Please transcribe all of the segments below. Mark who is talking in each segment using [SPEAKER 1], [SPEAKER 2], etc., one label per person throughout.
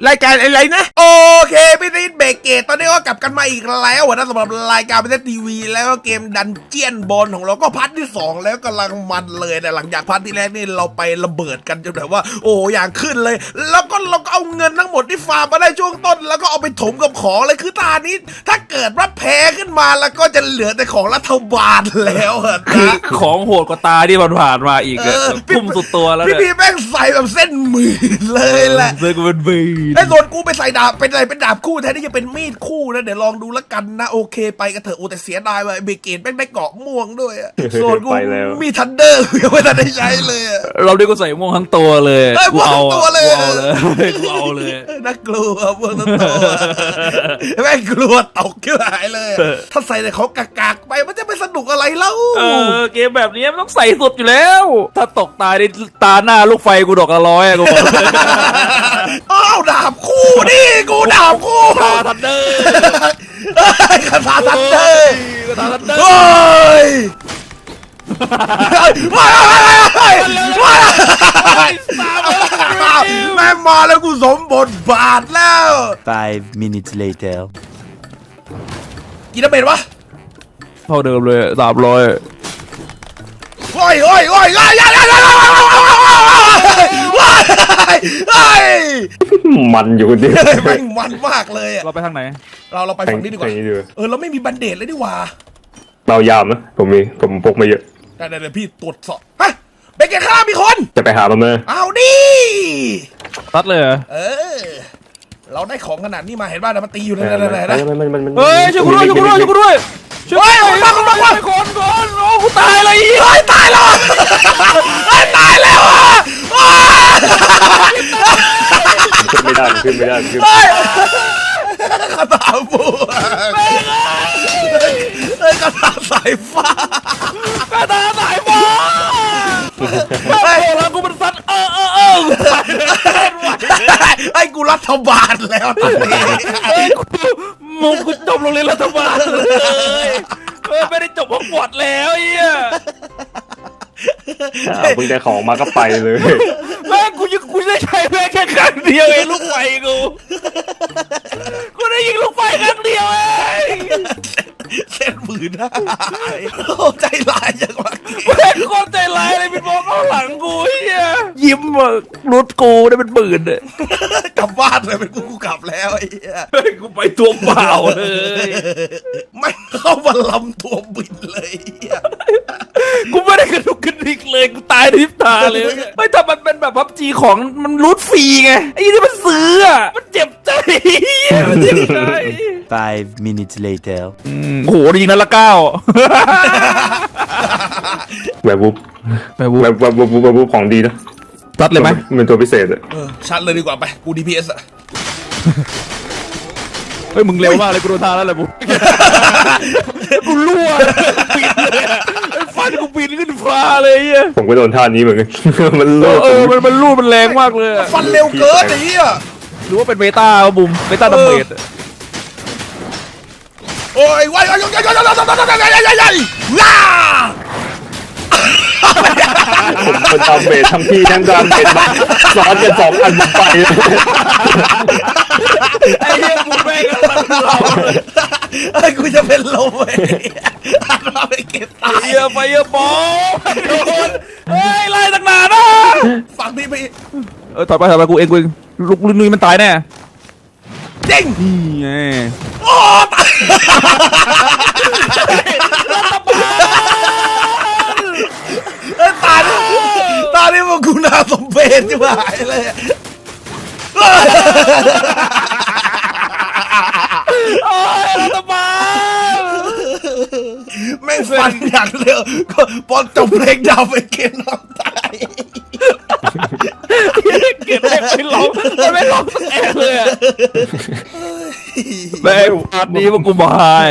[SPEAKER 1] รายการอะไรนะโอเคพี่ติ๊ดเบรกเกตตอนนี้ก็กลับกันมาอีกแล้วนะสำหรับรายการพี่ติ๊ดทีวีแล้วก็เกมดันเจียนบอลของเราก็พาร์ทที่2แล้วกำลังมันเลยนะหลังจากพาร์ทที่แรกนี่เราไประเบิดกันจนแบบว่าโอ้อย่างขึ้นเลยแล้วก็เราก็เอาเงินทั้งหมดที่ฟาร์มมาได้ช่วงต้นแล้วก็เอาไปถมกับของเลยคือตานี้ถ้าเกิดว่าแพ้ขึ้นมาแล้วก็จะเหลือแต่ของรัฐบาลแล้วนะ
[SPEAKER 2] ของโหดกว่าตาที่ผ่านมาอีกพุ่มสุดตัวแล้ว
[SPEAKER 1] พี่แม่งใส่แบบเส้นหมื่นเลยแหละ
[SPEAKER 2] เส้นมันบี
[SPEAKER 1] ไอ้ส่วนกูไปใส่ดาบเป็นอะไรเป็นดาบคู่แทนที่จะเป็นมีดคู่นะเดี๋ยวลองดูแล้วกันนะโอเคไปกันเถอะโอ้แต่เสียดายว่ะเบเกตแม่งได้เกาะม่วงด้วยส่วนกูมีทันเดอร์ยังไม่ทันได้ใช้เลย
[SPEAKER 2] เราได้ก็ใส่ม่วงทั้งตัวเลย
[SPEAKER 1] กูเอาเลย
[SPEAKER 2] กูเอาเลย
[SPEAKER 1] น่ากลัวม่วงทั้งตัวแม่งกลัวตกขึ้นหายเลยถ้าใส่แต่ของกากๆไปมันจะไม่สนุกอะไรเล่า
[SPEAKER 2] เกมแบบนี้มันต้องใส่สุดอยู่แล้วถ้าตกตายในตาหน้าลูกไฟกูดอกละร้อยกูบอก
[SPEAKER 1] อ้าวดาบคู่นี่กูดาบคู่
[SPEAKER 2] คาทันเดอร์
[SPEAKER 1] คาทันเดอร์
[SPEAKER 2] เฮ้ย
[SPEAKER 1] แม่มาแล้วกูสมบทบาทแล้ว
[SPEAKER 3] 5 minutes later
[SPEAKER 1] กี่ดาเมจวะ
[SPEAKER 2] เท่าเดิมเลย300
[SPEAKER 1] โอ้ย
[SPEAKER 4] มันอยู่ดิ
[SPEAKER 1] แม่งมันมากเลย
[SPEAKER 2] เราไปทางไหน
[SPEAKER 1] เราไปฝั่งนี้ดีกว่าเราไม่มีบันเดตเลยดีกว่า
[SPEAKER 4] เรายามนะผมพกมาเยอะ
[SPEAKER 1] ได้พี่ตรวจสอบฮะเบเกอร์ข้ามีคน
[SPEAKER 4] จะไปหามันเลย
[SPEAKER 1] เอาดิ
[SPEAKER 2] ตัดเลย
[SPEAKER 1] เราได้ของขนาดนี้มาเห็นบ้านมันตีอยู่นั่น
[SPEAKER 2] เฮ้ยช่วยกูด้วยช่วยคนโอ้กูตายเลย
[SPEAKER 1] ตายแล้วตายแล้ว
[SPEAKER 4] ขึ้นไม่ได้
[SPEAKER 1] กระตาบัวกระตาสายฟ้า
[SPEAKER 2] แล้วกูมันสัตว์
[SPEAKER 1] ไอ้กูรัฐบาลแล้วตอนนี้
[SPEAKER 2] มึงกูจบโรงเรียนรัฐบาลเลยไม่ได้จบฮอกวอตส์แล้วเหี้ย
[SPEAKER 4] มึงได้ของมาก็ไปเลย
[SPEAKER 2] แม่กูได้ใช้แม่แค่ครั้งเดียวเองลูกไฟกูได้ยิงลูกไฟครั้งเดียวเอง
[SPEAKER 1] เส้นมือได้ใจร้ายจังวะ
[SPEAKER 2] แม่โคตรใจร้ายเลยเป็นบอลเข้าหลังกูเฮียยิ้มรุดกูได้เป็นปืนเลย
[SPEAKER 1] กลับบ้านเลยเป็นกูกลับแล้วไอ้เหี้ย
[SPEAKER 2] กูไปตัวเปล่าเลย
[SPEAKER 1] ไม่เข้ามาลำตัวบินเลย
[SPEAKER 2] กูไม่ได้กระดุกกระดิกเลยกูตายทิพตาเลยไม่ถ้ามันเป็นแบบพับจีของมันรูดฟรีไงไอ้ที่มันซื้อมันเจ็บใจมันเจ็บใจ
[SPEAKER 3] 5 minutes later
[SPEAKER 2] โหยิงนัดละ9
[SPEAKER 4] แบบวุบของดีนะ
[SPEAKER 2] ตัดเลยไหม
[SPEAKER 4] เป็นตัวพิเศษ
[SPEAKER 1] ชัดเลยดีกว่าไปกู DPS
[SPEAKER 2] เฮ้ยมึงเร็วมากเลยกูโดนทาแล้วแหละกูรั่วปีนเลยฟันกูปีนขึ้นฟ้าเลย
[SPEAKER 4] ผมก็โดนท่านี้เหมือนกันมัน
[SPEAKER 2] รั่วมันรั่วมันแรงมากเลย
[SPEAKER 1] ฟันเร็วเกินไอ้เหี้ย
[SPEAKER 2] หรือว่าเป็นเบต้าบุ๋มเบต้าดัมเบล
[SPEAKER 1] โอ้ยว้ายว้า
[SPEAKER 4] ผมทำเบสทำที่ทั้งดามเบสมาซ้อนกัน2 อันไป
[SPEAKER 2] ไอ้เหี้ยกูแม่ง
[SPEAKER 1] ไอ้กูจะเป็นลมเลยมาไปเก็บตาย
[SPEAKER 2] ไปบอลโดนเฮ้ยไล่ตั้งนานนะ
[SPEAKER 1] ฝั่งนี้ไป
[SPEAKER 2] ถอยไปกูเองลูกนุ้ยมันตายแน่
[SPEAKER 1] จริง
[SPEAKER 2] นี่ไง
[SPEAKER 1] โอ้ตายตานี่มันกูน่าสมเพชจะหายเลย
[SPEAKER 2] รัฐบาล
[SPEAKER 1] แม่งฟันอย่างเร็วก็พอจบเพลงดาวไปเกณฑ์น้องตาย
[SPEAKER 2] เกณฑ์ไม่ร้องสักแอะเลยแม่พาร์ทนี้มันกูมา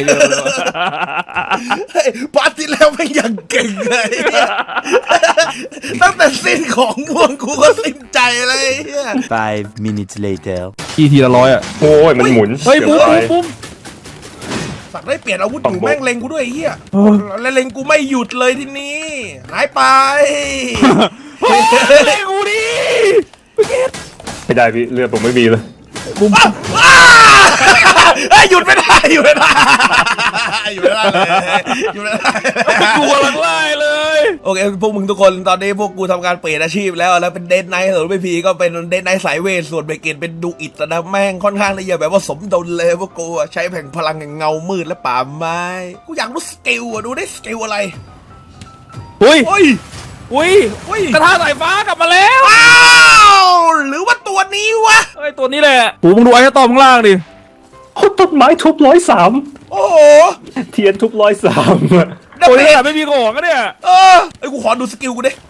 [SPEAKER 1] พาร์ทที่แล้วไม่ยังเก่งเลยตั้งแต่สิ้นของม่วงกูก็สิ้นใจเลย
[SPEAKER 3] 5 minutes later
[SPEAKER 2] ทีละ100
[SPEAKER 4] โอ้ยมันหมุน
[SPEAKER 2] เฮ้ยปุ๊บ
[SPEAKER 1] สักได้เปลี่ยนอาวุธอยู่แม่งเล็งกูด้วยเฮียแล้วเล็งกูไม่หยุดเลยทีนี้หายไป
[SPEAKER 2] เล็งกูดิ
[SPEAKER 4] ไม่ได้พี่เลือดผมไม่มีเลย
[SPEAKER 1] โ
[SPEAKER 2] บุ้ม
[SPEAKER 1] เฮ้ยหยุดไม่ได้หยุดไม่ได้หยุดไม่ได้เลยหยุดไม่ได้
[SPEAKER 2] กูกำลังไล่เลย
[SPEAKER 1] โอเคพวกมึงทุกคนตอนนี้พวกกูทำการเปลี่ยนอาชีพแล้วเป็นเดนไนท์ส่วนพี่พีก็เป็นเดนไนท์สายเวทส่วนเบเกตเป็นดูอิดนะแม่งค่อนข้างที่จะแบบว่าสมดุลเลยพวกกูใช้แผงพลังแห่งเงามืดและป่าไม้กูอยากรู้สกิลดูได้สกิลอะไร
[SPEAKER 2] อุ้ย
[SPEAKER 1] โอ้ย
[SPEAKER 2] อุ้ย
[SPEAKER 1] อุ้ย
[SPEAKER 2] กระทะสายฟ้ากลับมาแล้ว
[SPEAKER 1] อ้าวหรือว่าตัวนี้วะ
[SPEAKER 2] เฮ้ยตัวนี้แหละโหมึงดูไอ้ตอมข้างล่างดิ
[SPEAKER 4] โอ้ต้นไม้ทุบ103
[SPEAKER 1] โอ้โห
[SPEAKER 4] เทียนทุบ103
[SPEAKER 2] ตัวนี้แหละไม่มีของก็เนี่ย
[SPEAKER 1] ไอ้กูขอดูสกิลกูดิ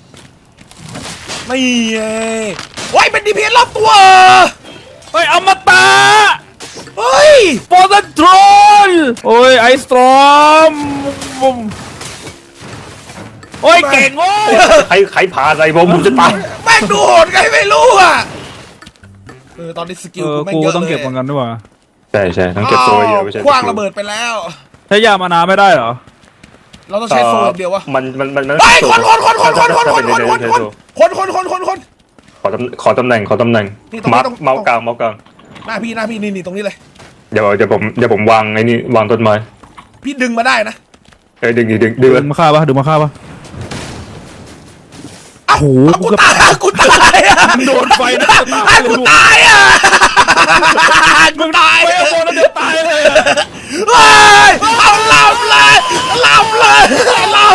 [SPEAKER 1] ไม่ไงโอ้ยเป็นดีพีเอสรอบตัว
[SPEAKER 2] เฮ้ยอมตะ
[SPEAKER 1] เฮ้ย
[SPEAKER 2] โฟร์ซันโทรลโอ้ยไอสตรอมโอ้ยเก่งโว้ย
[SPEAKER 4] ใครผ่าอะไรผมจะตาย
[SPEAKER 1] แม่งดูโหดไงไม่รู้อ่ะตอนนี้สกิลกูแม่ง
[SPEAKER 2] กู
[SPEAKER 1] เยอะเลย
[SPEAKER 2] ต้องเก็บเหมือนกันด้วยวะ
[SPEAKER 4] ใช่ต้องเก็บตัวเยอะไม่ใช่
[SPEAKER 1] คว้างระเบิดไปแล้ว
[SPEAKER 2] ใช้ยามานาไม่ได้เหรอ
[SPEAKER 1] เราต้องใช้โซนเดียววะ
[SPEAKER 4] มัน
[SPEAKER 1] ไปคน
[SPEAKER 4] ขอตำแหน่งมาร์คเมาส์กลาง
[SPEAKER 1] หน้าพี่นี่ตรงนี้เลย
[SPEAKER 4] เดี๋ยวผมวางไอ้นี่วางต้นไม้
[SPEAKER 1] พี่ดึงมาได้นะ
[SPEAKER 4] ดึง
[SPEAKER 2] ดึงมาฆ่าปะดึงมาฆ่าปะ
[SPEAKER 1] โอ้โหกูตายอ่ะ
[SPEAKER 2] โดนไฟนะ
[SPEAKER 1] กูตายอ่ะกูตาย
[SPEAKER 2] ไม่โดนแล้วเดี๋ยวตายเลย
[SPEAKER 1] เฮ้ยเอาลำเลยลำเลยลำ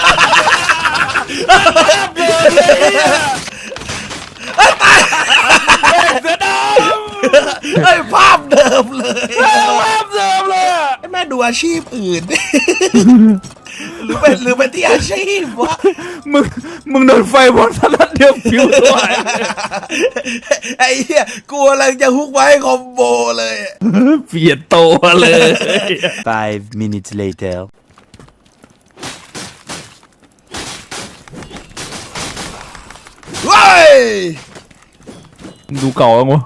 [SPEAKER 2] เสือด
[SPEAKER 1] เฮ้ยภาพเดิมเลย
[SPEAKER 2] ำภาพเดิมเลยอะ
[SPEAKER 1] แม่ดูอาชีพอื่น หรือเป็นที่อาชีพวะ
[SPEAKER 2] มึงโดนไฟบอลสลัดเดียวผิวตัว
[SPEAKER 1] ไอ้เหี้ยกูกำลังจะฮุกไว้คอมโบเลย
[SPEAKER 2] เปลี่ยนตัวเลย
[SPEAKER 3] 5 minutes later.
[SPEAKER 1] เว้ย
[SPEAKER 2] ดูเก่าแล้วมั้ง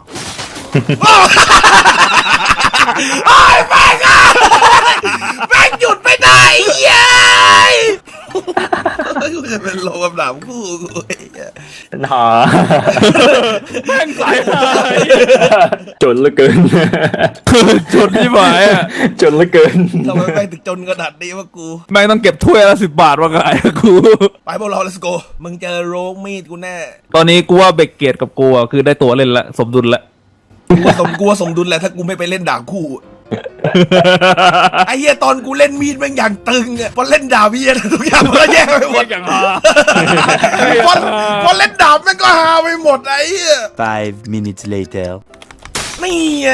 [SPEAKER 1] ไอ้แม่งอะแม่งหยุดไม่ได้เย้ยกูจะเป็นโลกับหนามคู่กูไอ้เหี้ย
[SPEAKER 4] หา
[SPEAKER 2] แม่งสายหาย
[SPEAKER 4] จนเหลือเกิน
[SPEAKER 2] จนที่หมายอ่ะ
[SPEAKER 4] จนเหลือเกิน
[SPEAKER 1] ทำไมแม่งถึงจนขนาดนี้วะกู
[SPEAKER 2] แม่งต้องเก็บถ้วยละ10 บาทมาขายอะกู
[SPEAKER 1] ไปพวกเรา let's go มึงเจอโรคมีดกูแน่
[SPEAKER 2] ตอนนี้กูว่าเบกเกตกับกูอะคือได้ตัวเล่นละสมดุลละ
[SPEAKER 1] กูว่าสมดุลแหละถ้ากูไม่ไปเล่นดาบคู่ ไอ้เหี้ยตอนกูเล่นมีดแม่งอย่างตึงอ่ะพอเล่นดาบเหี้ยทุกอย่างมันก็แย่ไปหมด
[SPEAKER 2] อย่างฮา
[SPEAKER 1] พอเล่นดาบแม่งก็ฮาไปหมดไอ้เหี้ย
[SPEAKER 3] 5 minutes later.
[SPEAKER 1] นี่ไง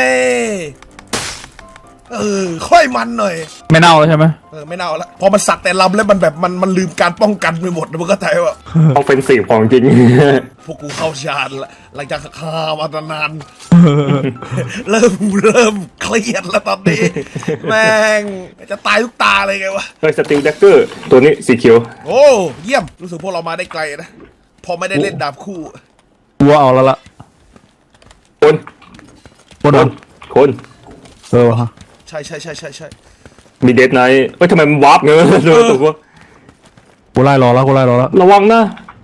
[SPEAKER 1] ค่อยมันหน่อย
[SPEAKER 2] ไม่เน่าแล้วใช่ไหม
[SPEAKER 1] ไม่เน่าละพอมันสักแต่ลำแล้วมันแบบมันลืมการป้องกันไปหมดนะมึงก็ใจว่า
[SPEAKER 4] ออฟเฟนซีฟของจริง
[SPEAKER 1] พวกกูเข้าฌานละหลังจากฆ่ามาตั้งนาน เริ่มเครียดแล้วตอนนี้ แม่งจะตายทุกตาเลยไงวะ
[SPEAKER 4] เฮ้ยสติลแดกเกอร์ตัวนี้สีเขียว
[SPEAKER 1] โอ้เยี่ยมรู้สึกพวกเรามาได้ไกลนะพอไม่ได้เล่นดาบคู่
[SPEAKER 2] กูว่าเอาแล้วละ
[SPEAKER 4] คน คน
[SPEAKER 2] ฮะ
[SPEAKER 1] ใช่
[SPEAKER 4] มีเดทไนท์เฮ้ยทำไมมันวาร์ปเงี้ยตัว
[SPEAKER 2] กูไล่รอแล้ว
[SPEAKER 4] ระวังนะ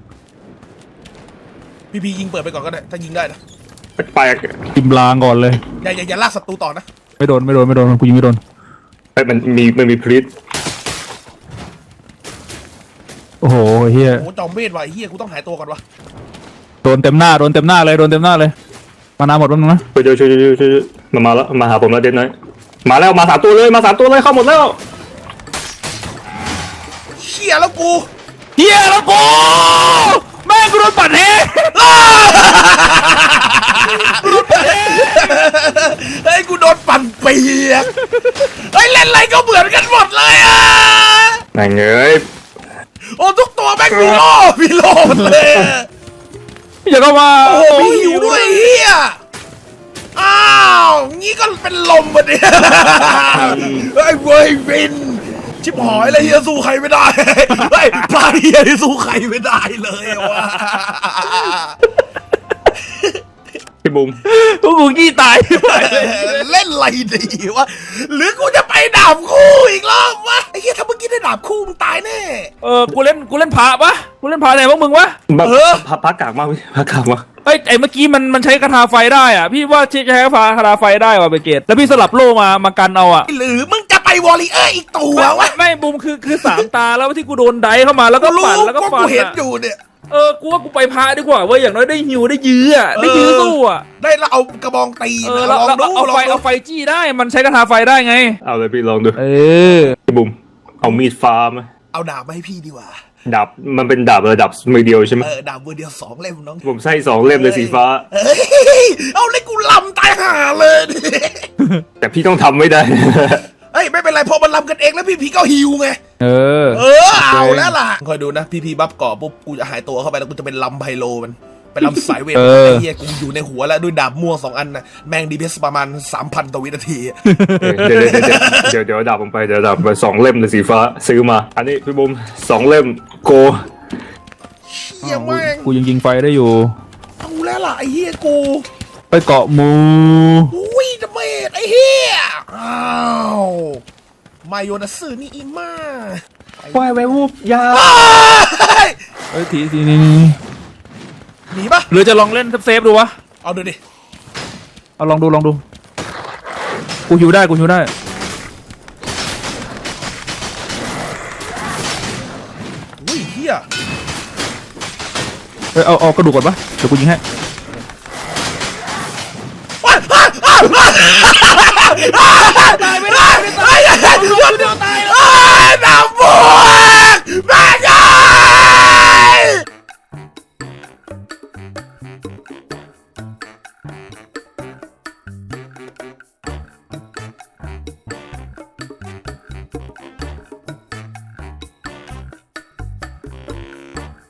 [SPEAKER 1] พี่ยิงเปิดไปก่อนก็ได้ถ้ายิงได้นะ
[SPEAKER 4] แปลก
[SPEAKER 2] จิมลางก่อนเลย
[SPEAKER 1] อย่าลากศัตรูต่อนะ
[SPEAKER 2] ไม่โดนกูยิงไม่โดน
[SPEAKER 4] เฮ้ยมันมีพลิต
[SPEAKER 2] โอ้โหเฮีย
[SPEAKER 1] โอ้จอมเวทว่ะไอ้เฮียกูต้องหายตัวก่อนวะ
[SPEAKER 2] โดนเต็มหน้าเลยมานาหมดแล้วนะ
[SPEAKER 4] ช่วยมาแล้วมาหาผมแล้วเดทไนท์มาแล้วมา3 ตัวเลยเข้าหมดแล้ว
[SPEAKER 1] เชี่ยแล้วกู
[SPEAKER 2] เฮียแล้วกูแม่งกูโดนปัดเฮ
[SPEAKER 1] เฮ้ยกูโดนปั่นเปียกเฮ้ยเล่นอะไรก็เหมือนกันหมดเลยอ่ะ
[SPEAKER 4] แม่งเอ้ย
[SPEAKER 1] โอ้ทุกตัวแม่งมีโล่หมดเลยอะ
[SPEAKER 2] อย่าเข้ามา
[SPEAKER 1] โอ้โหมีหิวด้วยเฮียอ้าวงี้ก็เป็นลมปะเนี่ยเฮ้ยเว้ยวินชิบหายเลยเฮียสู้ใครไม่ได้เฮ้ยพลาดเฮียที่สู้ใครไม่ได้เลยว่ะ
[SPEAKER 4] พี่บุ๋ม
[SPEAKER 2] พวกกูขี้ตาย
[SPEAKER 1] เล่นอะไรดีวะหรือกูจะไปดาบคู่อีกรอบวะไอ้เหี้ยถ้าเมื่อกี้ได้ดาบคู่มึงตายแน่
[SPEAKER 2] กูเล่นพระปะกูเล่นพระไหนพวกมึงวะ
[SPEAKER 4] แบบพักกากมากพี่พักกากมาก
[SPEAKER 2] เอ้ยไอ้เมื่อกี้มันใช้คาถาไฟได้อ่ะพี่ว่าใช้คาถาไฟได้ว่ะเบเกตแล้วพี่สลับโล่มากันเอาอ่ะ
[SPEAKER 1] หรือมึงจะไปวอลเลเยอร์อีกตัววะ
[SPEAKER 2] ไม่บูมคือสามตาแล้วที่กูโดนไดเข้ามาแล้วก็
[SPEAKER 1] รู้
[SPEAKER 2] ปั่นแล้วก็
[SPEAKER 1] ก็
[SPEAKER 2] ฟั
[SPEAKER 1] กู
[SPEAKER 2] น
[SPEAKER 1] เห็น
[SPEAKER 2] อ่ะ
[SPEAKER 1] อยู่เนี่ย
[SPEAKER 2] กูว่ากูไปพาดีกว่าเว้ยอย่างน้อยได้ฮิวได้ยื้ออ่ะได้ยื้อสู้อ่ะ
[SPEAKER 1] ได้แล้วเอากระบองตี
[SPEAKER 2] แล้
[SPEAKER 1] ล
[SPEAKER 2] ว
[SPEAKER 1] องดู
[SPEAKER 2] เอา
[SPEAKER 1] ลองดู
[SPEAKER 2] เอาไฟจี้ได้มันใช้คาถาไฟได้ไง
[SPEAKER 4] เอาเลยพี่ลองดู
[SPEAKER 2] อ
[SPEAKER 4] พี่บุ๋มเอามีดฟ้าไหม
[SPEAKER 1] เอาดาบมาให้พี่ดีกว่า
[SPEAKER 4] ดาบมันเป็นดาบระดับมือเดียวใช่ไหม
[SPEAKER 1] ดาบมือเดียว2 เล่มน้อง
[SPEAKER 4] ผมใส่2 เล่มเลยสีฟ้า
[SPEAKER 1] เฮ้ยเอาเลยกูลำตายห่าเลย
[SPEAKER 4] แต่พี่ต้องทำไม่ได้
[SPEAKER 1] เฮ้ยไม่เป็นไรพอมันลำกันเองแล้วพี่ก็ฮิวไง เอาแล้วล่ะคอยดูนะพี่บัฟเกาะปุ๊บกูจะหายตัวเข้าไปแล้วกูจะเป็นลำไพโลมันเป็นลำสายเวทไอ้เหี้ยกูอยู่ในหัวแล้วด้วยดาบม่วง2 อันนะแม่งดีเพสประมาณ 3,000 ต่อวินาที
[SPEAKER 4] เดี๋ยวดาบผมไปเดี๋ยวดาบไป2 เล่มเลยสีฟ้าซื้อมา อันนี้พี่บุ๋ม2 เล่มโก
[SPEAKER 1] เหี้ยแม่ง
[SPEAKER 2] กูยังยิงไฟได้อยู่
[SPEAKER 1] เอาแล้วล่ะไอ้เหี้ยกู
[SPEAKER 2] ไปเกาะหมู
[SPEAKER 1] อุ้ยดาเมจไอ้เหี้ยอ้าวมาโยนาสึนี่อีมา
[SPEAKER 4] ควายไว้วูบยา
[SPEAKER 2] เฮ้ยทีนี้
[SPEAKER 1] หนีปะ
[SPEAKER 2] หรือจะลองเล่นเซฟดูวะ
[SPEAKER 1] เอาดูดิ
[SPEAKER 2] เอาลองดูกูฮิวได้
[SPEAKER 1] อุ้ยเหี้ย
[SPEAKER 2] เอากระดูกก่อนปะเดี๋ยวกูยิงให้
[SPEAKER 1] ตายไม่ได้โดน